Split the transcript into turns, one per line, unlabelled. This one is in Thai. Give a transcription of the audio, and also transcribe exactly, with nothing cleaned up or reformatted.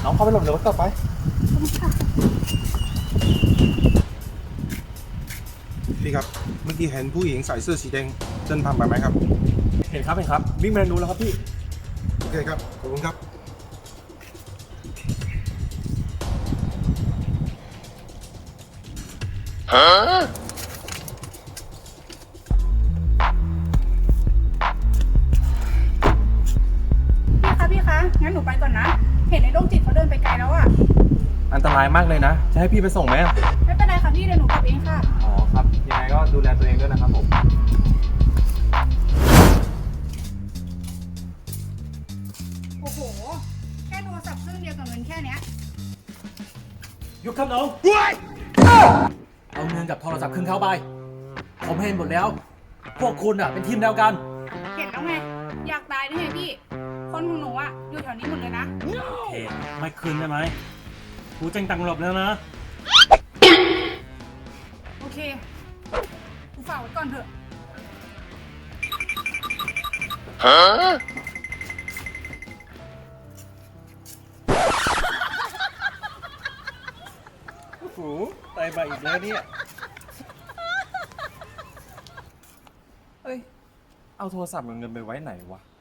น้องเข้าไปหลบเดี๋ยวรถกลับไป
พี่ครับเมื่อกี้เห็นผู้หญิงใส่เสื้อสีแดงเดินผ่านไปไหมครับ
เห็นครับเห็นครับวิ่งไปทางนู้นแล้วครับพี่
โอเคครับขอบคุณครับ
ฮะ
พี่คะพี่คะงั้นหนูไปก่อนนะเห็นไอ้โรคจิตเขาเดินไปไกลแล้วอะ
อันตรายมากเลยนะจะให้พี่ไปส่งไหม
ไม่เป็นไรค่ะพี่เดี๋ยวหนูกลับเองค่ะ
อ๋อครับยังไงก็ดูแลตัวเองด้วยนะครับผม
โอ้โหแค่โทรศัพท์เครื่องเดียวกับเงินแค่เนี้ย
หยุดครับน้องเอาเงินกับโทรศัพท์คืนเขาไปผมเห็นหมดแล้วพวกคุณอ่ะเป็นทีมเดียวกัน
เห็นแล้วไงอยากตายได้ไงพี่คนของหนูอะอยู่แถวนี้หมดเลยนะ
โอเคไม่คืนได้ไหมกูแจ้งตังค์หลบแล้วนะ
โอเคกูฝากไว้ก่อนเถอะ
ฮะ
โอ้โหตายมาอีกแล้วเนี่ยเฮ้ยเอาโทรศัพท์กับเงินไปไว้ไหนวะ